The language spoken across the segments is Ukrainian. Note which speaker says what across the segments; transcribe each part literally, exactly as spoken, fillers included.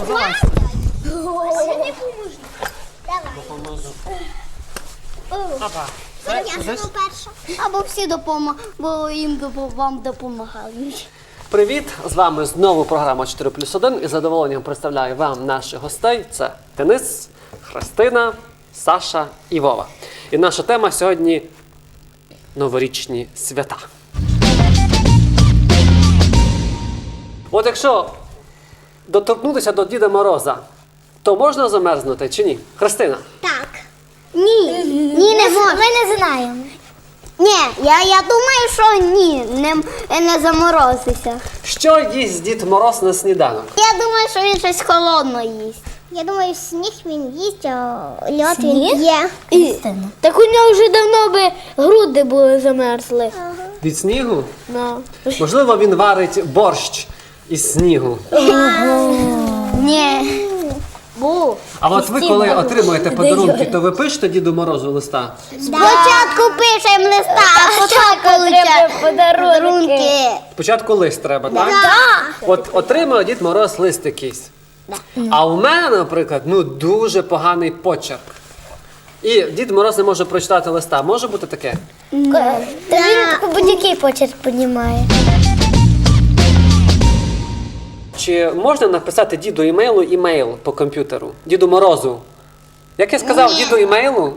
Speaker 1: Давай.
Speaker 2: Давай.
Speaker 1: Допоможу.
Speaker 2: Опа.
Speaker 1: Це,
Speaker 2: Я
Speaker 1: знаєш,
Speaker 2: сама перша. Або всі допомагають, бо їм допо- вам допомагають.
Speaker 1: Привіт! З вами знову програма чотири плюс один. І з задоволенням представляю вам наших гостей. Це Денис, Христина, Саша і Вова. І наша тема сьогодні – новорічні свята. От якщо доторкнутися до Діда Мороза, то можна замерзнути чи ні? Христина?
Speaker 2: Так. Ні. Ні, не можна. Ми не знаємо. Ні, я, я думаю, що ні, не, не заморозися.
Speaker 1: Що їсть Дід Мороз на сніданок?
Speaker 2: Я думаю, що він щось холодне їсть. Я думаю, сніг він їсть, а льод він є.
Speaker 3: Так у нього вже давно би груди були замерзли.
Speaker 1: Від снігу?
Speaker 3: Да.
Speaker 1: Можливо, він варить борщ із снігу.
Speaker 2: Ні.
Speaker 3: Бу.
Speaker 1: А от ви, коли отримуєте подарунки, то ви пишете Діду Морозу листа?
Speaker 2: Спочатку пишемо листа, а потім получаємо подарунки.
Speaker 1: Спочатку лист треба, так?
Speaker 2: Да.
Speaker 1: От отримав Дід Мороз лист якийсь. А у мене, наприклад, ну дуже поганий почерк. І Дід Мороз не може прочитати листа. Може бути таке?
Speaker 3: Та він будь-який почерк піднімає.
Speaker 1: Чи можна написати Діду імейлу імейл по комп'ютеру? Діду Морозу? Як я сказав, Діду імейлу?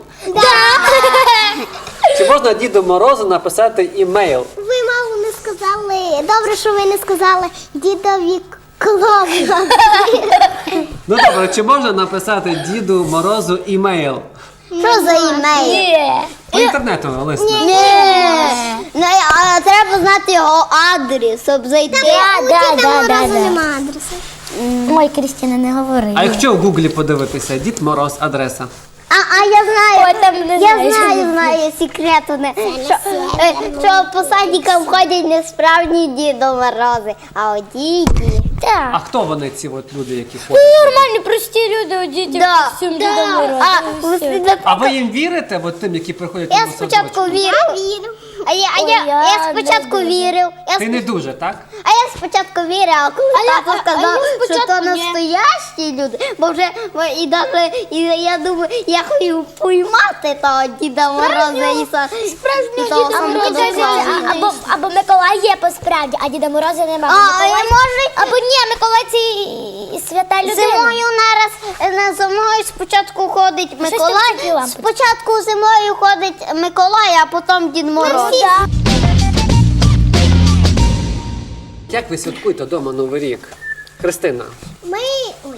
Speaker 1: Чи можна Діду Морозу написати імейл?
Speaker 2: Ви мало не сказали. Добре, що ви не сказали дідові клоуна.
Speaker 1: Ну добре, чи можна написати Діду Морозу імейл?
Speaker 2: Що за імейл?
Speaker 1: По інтернету лист.
Speaker 2: Ні. Ну, а треба знати його адрес, щоб зайти.
Speaker 3: Да, да, да, да, да.
Speaker 2: Нема адресу.
Speaker 3: Ой, Крістіна, не говори.
Speaker 1: А якщо в Гуглі подивитися, Дід Мороз, адреса.
Speaker 2: А, а я знаю,
Speaker 3: Ой, там не
Speaker 2: я
Speaker 3: знаю,
Speaker 2: знаю,
Speaker 3: що
Speaker 2: знаю секрет. Одне, що, е, що по садикам ходять не справжні Діду Морози, а одіті.
Speaker 1: А хто вони, ці от люди, які ходять?
Speaker 3: Нормальні, прості люди, одіті
Speaker 2: Да.
Speaker 3: всім
Speaker 2: Да.
Speaker 3: Дідом Морозом.
Speaker 2: А, ви слід-
Speaker 1: А ви їм вірите, от тим, які приходять
Speaker 2: Я
Speaker 1: на
Speaker 2: спочатку
Speaker 1: садочок?
Speaker 2: вірив. А я, а
Speaker 3: Ой,
Speaker 2: я,
Speaker 3: я
Speaker 2: я спочатку
Speaker 3: не
Speaker 2: вірив. Я
Speaker 1: Ти
Speaker 2: сп-
Speaker 1: не дуже, так?
Speaker 2: А я спочатку вірив, а коли
Speaker 3: А я-
Speaker 2: тато
Speaker 3: а- а
Speaker 2: сказав,
Speaker 3: я
Speaker 2: що
Speaker 3: спочатку
Speaker 2: то
Speaker 3: ні.
Speaker 2: настоящі люди, бо вже бо і даже, і я думаю, я хотів поймати того Діда Мороза і са- і того
Speaker 3: Діда
Speaker 2: Санта
Speaker 3: Мороза
Speaker 2: Клауса.
Speaker 3: а- або, або Миколай є по справді, а Діда Мороза немає.
Speaker 2: А, я можу
Speaker 3: Або ні, Миколай це і свята людина.
Speaker 2: зимою нараз на зимою спочатку ходить
Speaker 3: Щось там
Speaker 2: Миколай,
Speaker 3: такі лампочки.
Speaker 2: спочатку зимою ходить Миколай, а потім Дід Мороз.
Speaker 1: Як ви святкуєте вдома Новий рік? Христина.
Speaker 2: Ми... Ой.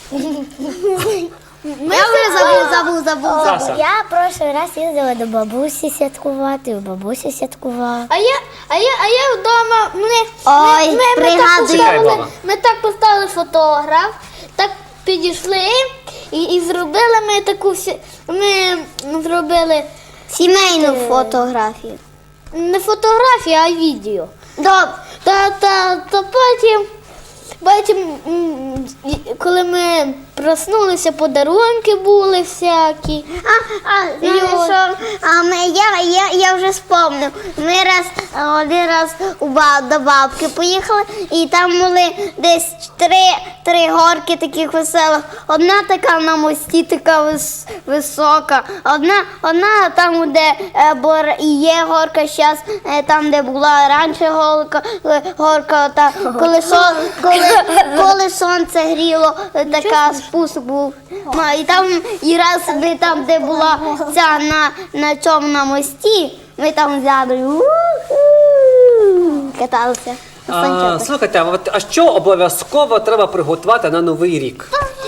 Speaker 2: Я вже забув, забув, забув.
Speaker 1: Саша.
Speaker 3: Я прошлий раз їздила до бабусі святкувати, у бабусі святкувала.
Speaker 4: А я, а я, а я вдома мене
Speaker 2: Ой,
Speaker 4: ми, ми, ми, так
Speaker 2: пригадую.
Speaker 1: Чекай,
Speaker 4: поставили,
Speaker 1: баба.
Speaker 4: ми так поставили фотограф, так підійшли і, і зробили ми таку всі. Ми зробили
Speaker 2: Сімейну фотографію.
Speaker 4: не фотографію, а відео.
Speaker 2: Добре.
Speaker 4: Та, та, та потім, потім, м, і- коли ми проснулися, подарунки були всякі.
Speaker 2: А, а, знаєш що, а ми, я, я, я вже спомнив. Ми раз, один раз у ба, до бабки поїхали, і там були десь три, три горки таких веселих. Одна така на мості, така вис, висока. Одна, одна там, де е, бор, і є горка зараз, е, там, де була раніше горка, е, горка та, коли, сон, коли, коли сонце гріло, е, така спуск був. Ма, І там, і раз ми там, де була ця на, на цьому на мості, ми там взяли у-ху, каталися. на
Speaker 1: А,
Speaker 2: санчатах.
Speaker 1: слухайте, а, от, а що обов'язково треба приготувати на Новий рік?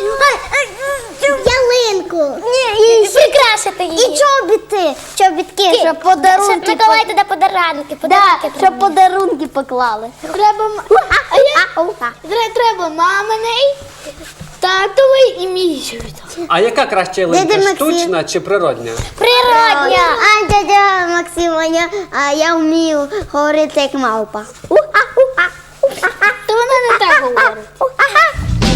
Speaker 2: Ялинку.
Speaker 3: Ні, і прикрашити її.
Speaker 2: І чобіти. Чобітки, щоб подарунки.
Speaker 3: Щоб Миколай туди подарунки,
Speaker 2: Да,
Speaker 3: подарунки.
Speaker 2: щоб подарунки поклали.
Speaker 4: Треба, м- а я, тре- треба маминий, татовий і мій чобіт.
Speaker 1: А яка краща ялинка,
Speaker 2: Дядя Максим.
Speaker 1: штучна чи природня?
Speaker 3: Природня.
Speaker 2: А дядя Максим, я, а я вмію говорити як мавпа. У-а-у-а, у-а-а,
Speaker 4: То вона не так говорить.
Speaker 2: у-а-а.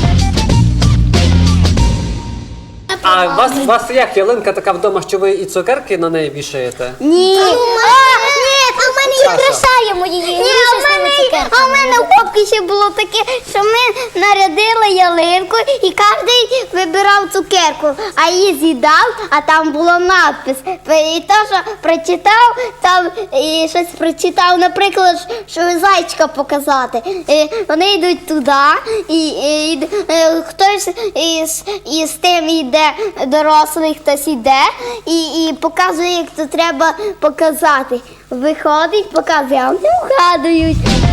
Speaker 1: А у вас, у вас як ялинка така вдома, що ви і цукерки на неї вішаєте?
Speaker 2: Ні. А, ні, а в мене є
Speaker 1: Саша.
Speaker 3: Прикрашаємо її.
Speaker 2: Ні, а в мене, а в мене в бабки ще було таке, що ми нарядили ялинку і кожен вибирав цукерку, а її з'їдав, а там було надпис. І то, що прочитав, там і щось прочитав, наприклад, що зайчика показати. І вони йдуть туди, і, і, і е, хтось із, із тим йде дорослий, хтось йде і, і показує, як це треба показати. Виходить, показує, а вони вгадують.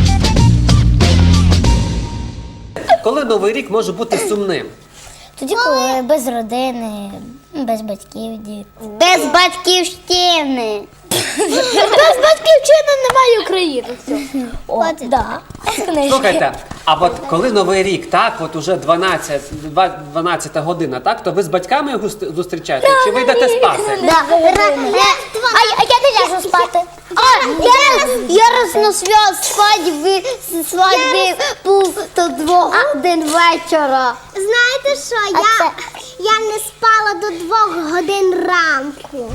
Speaker 1: Коли Новий рік може бути сумним?
Speaker 3: Тоді, коли без родини, без батьків, діти.
Speaker 2: Без батьківщини.
Speaker 4: Без батьківщини немає України. Все.
Speaker 3: О, да.
Speaker 1: Слухайте, а от коли Новий рік, так, от уже дванадцята, дванадцята година, так, то ви з батьками його зустрі- зустрічаєте? Чи ви йдете спати?
Speaker 2: Да.
Speaker 3: А, я- а я не ляжу спати.
Speaker 2: А, я раз, я раз на свят свадьби, свадьби був до двох годин вечора.
Speaker 5: Знаєте що,
Speaker 3: А
Speaker 5: я,
Speaker 3: це-
Speaker 5: я не спала до двох годин ранку.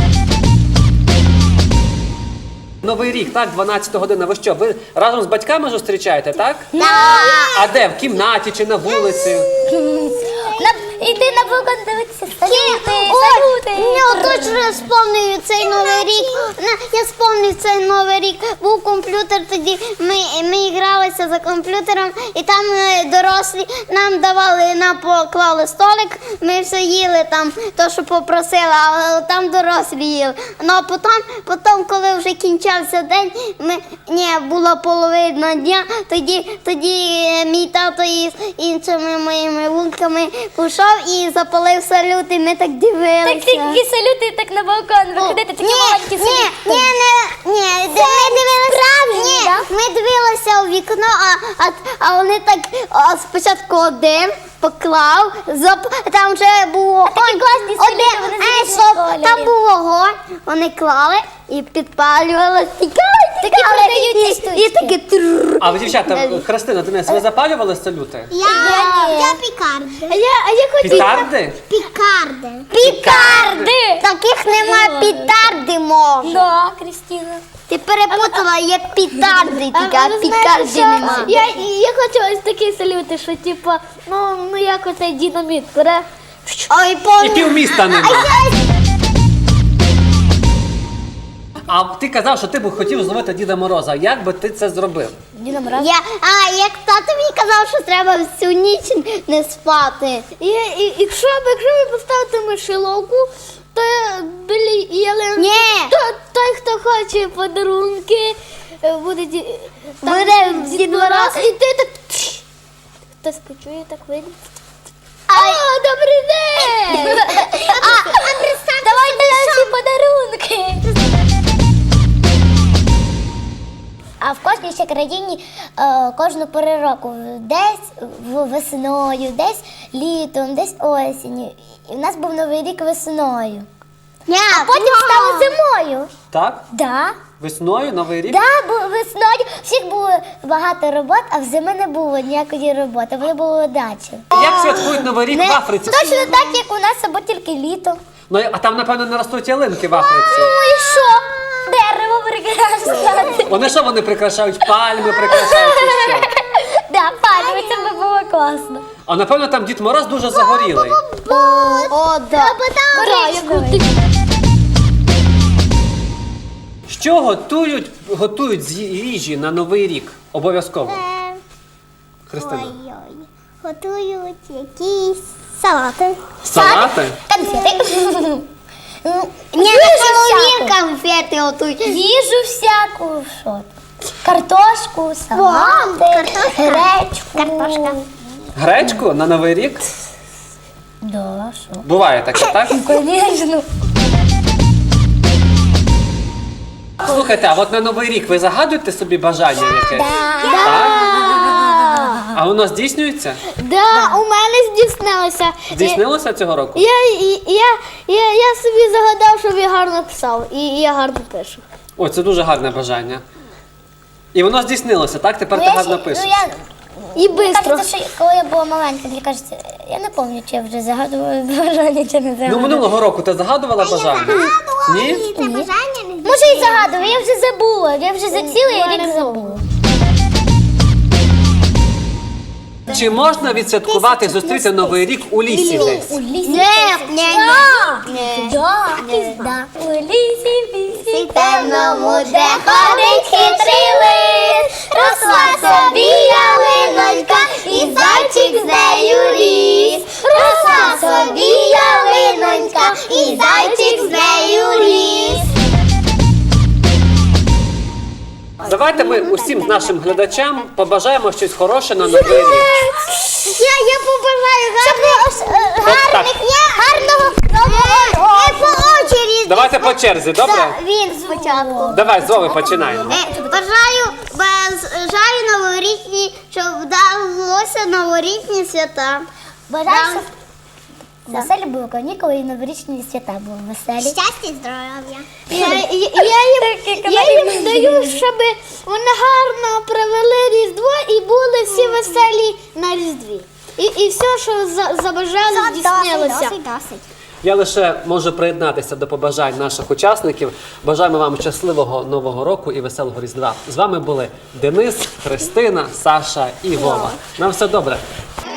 Speaker 1: Новий рік, так, дванадцята година, ви що, ви разом з батьками зустрічаєте, так?
Speaker 2: Да.
Speaker 1: А де, в кімнаті чи на вулиці?
Speaker 3: На, йди на балкон дивитися, салюти,
Speaker 2: Ой,
Speaker 3: салюти.
Speaker 2: я точно я сповнюю цей новий рік. На- Я сповнив цей новий рік. Був комп'ютер тоді. Ми, ми гралися за комп'ютером, і там е, дорослі нам давали, нам поклали столик. Ми все їли там, то що попросили, а там дорослі їли. Ну а потім, потім, коли вже кінчався день, ми ні, була половина дня. Тоді, тоді е, мій тато із іншими моїми вулками пішов і запалив салют, і ми так дивилися.
Speaker 3: Так такі салюти, так на балкон виходити, такі маленькі
Speaker 2: ні,
Speaker 3: салюти.
Speaker 2: ні, не, ні, де ми дивилися, ні,
Speaker 3: да?
Speaker 2: ми дивилися у вікно, а, а, а вони так а, спочатку один поклав, зап, там вже був вогонь.
Speaker 3: такі класні салюти,
Speaker 2: Один,
Speaker 3: вони
Speaker 2: е,
Speaker 3: з
Speaker 2: стоп,
Speaker 3: різних
Speaker 2: там
Speaker 3: кольорів.
Speaker 2: був вогонь, вони клали і підпалювали, тікали,
Speaker 3: Такі
Speaker 2: тікали,
Speaker 3: продають ці
Speaker 2: і,
Speaker 3: штучки.
Speaker 2: і таке трррр.
Speaker 1: А ви, дівчата, Христина, Денис, ви запалювали салюти?
Speaker 5: Я,
Speaker 3: ні.
Speaker 5: я пікарди.
Speaker 4: А я, а я хотіла.
Speaker 1: Пітарди?
Speaker 5: Пікарди.
Speaker 2: Пітарди! Таких нема, пітарди можна.
Speaker 3: Да, Крістіна.
Speaker 2: Ти перепутала, є пітарди, тільки, а
Speaker 4: ви знаєте,
Speaker 2: пікарди
Speaker 4: що
Speaker 2: нема.
Speaker 4: Я, я хочу ось такі салюти, що типа, ну, ну як оцей динаміт бере.
Speaker 2: Ой,
Speaker 1: І
Speaker 2: помню.
Speaker 1: півміста нема. А ти казав, що ти б хотів зловити Діда Мороза. Як би ти це зробив?
Speaker 3: Діна Мороз.
Speaker 2: Я, а, як тато мені казав, що треба всю ніч не спати.
Speaker 4: І, і, якщо, б- якщо ви поставите мишеловку, то біля ялинки,
Speaker 2: Ні.
Speaker 4: то той, хто хоче подарунки, е, буде, ді- там
Speaker 2: Буде
Speaker 4: Дід
Speaker 2: Дід
Speaker 4: Мороз,
Speaker 2: Мороз.
Speaker 4: і ти так. Хтось почує, так вийде. О, добрий день!
Speaker 2: А,
Speaker 3: Давайте наші подарунки. А в кожній ще країні е, кожну пору року десь в- весною, десь літом, десь осінню. І в нас був Новий рік весною. А потім стало зимою.
Speaker 1: Так?
Speaker 3: Да.
Speaker 1: Весною, Новий рік?
Speaker 3: Да, бо весною всіх було багато робот, а в зими не було ніякої роботи, вони були дачі.
Speaker 1: Як святкують Новий рік в Африці?
Speaker 3: Точно так, як у нас, або тільки літо.
Speaker 1: Ну, а там, напевно, не ростуть ялинки в Африці.
Speaker 3: Ну і що? Дерево прикрашати.
Speaker 1: Вони що, вони прикрашають? Пальми прикрашають чи що?
Speaker 3: Да, пальми, це би було класно.
Speaker 1: А напевно там Дід Мороз дуже загорілий.
Speaker 2: О, да.
Speaker 3: Коричневий.
Speaker 1: Що готують, готують з їжі на Новий рік? Обов'язково. Христина.
Speaker 5: Ой-ой. Готують якісь салати.
Speaker 1: Салати?
Speaker 3: Конфети.
Speaker 2: Ні, на Хеллоуін конфети готують.
Speaker 3: Їжу всяку, що там? Картошку, салати, гречку.
Speaker 5: Картошка.
Speaker 1: Гречку на Новий рік?
Speaker 3: Да, що?
Speaker 1: Буває таке, так?
Speaker 3: Конечно.
Speaker 1: Слухайте, а от на Новий рік ви загадуєте собі бажання якесь? Так? А воно здійснюється?
Speaker 4: Да, у мене здійснилося.
Speaker 1: Здійснилося цього року?
Speaker 4: Я, я, я, я, я собі загадав, щоб я гарно писав, і я гарно пишу.
Speaker 1: Ой, це дуже гарне бажання. І воно здійснилося, так? Тепер ти гарно пишеш.
Speaker 3: Ну, я,
Speaker 4: І бистро.
Speaker 3: кажеться, що коли я була маленька, мені кажеться, я не пам'ятаю, чи я вже загадувала бажання, чи не
Speaker 1: Ну,
Speaker 3: загадувала.
Speaker 1: минулого року ти загадувала бажання? Ні?
Speaker 5: І це бажання не
Speaker 3: Може і загадувала, я вже забула, я вже за цілий рік забула.
Speaker 1: Чи можна відсвяткувати, зустріти Новий рік у лісі десь?
Speaker 3: У лісі.
Speaker 2: Ні, ні, ні.
Speaker 3: Да, да. У лісі, в лісі.
Speaker 2: Темному, де ходить хитрий лис, росла собі ялинонька, і зайчик з нею ріс. Росла собі ялинонька, і зайчик з нею ріс.
Speaker 1: Давайте ми усім нашим глядачам побажаємо щось хороше на Новий рік.
Speaker 2: Я, я побажаю гарних, гарних, гарного нового року. По очереді.
Speaker 1: Давайте по черзі, добре?
Speaker 2: Він спочатку.
Speaker 1: Давай, з Вови починаємо.
Speaker 2: Е, Бажаю, бажаю новорічні, щоб вдалося новорічні свята.
Speaker 3: Бажаю, щоб веселі були канікули і новорічні свята були веселі.
Speaker 2: Щастя, здоров'я.
Speaker 4: Я, я, я, їм, я їм даю, щоб вони гарно провели Різдво і були всі веселі на Різдві. І, і все, що за, забажали, здійснилося.
Speaker 2: Досить, досить.
Speaker 1: Я лише можу приєднатися до побажань наших учасників. Бажаємо вам щасливого Нового року і веселого Різдва. З вами були Денис, Христина, Саша і Вова. На все добре.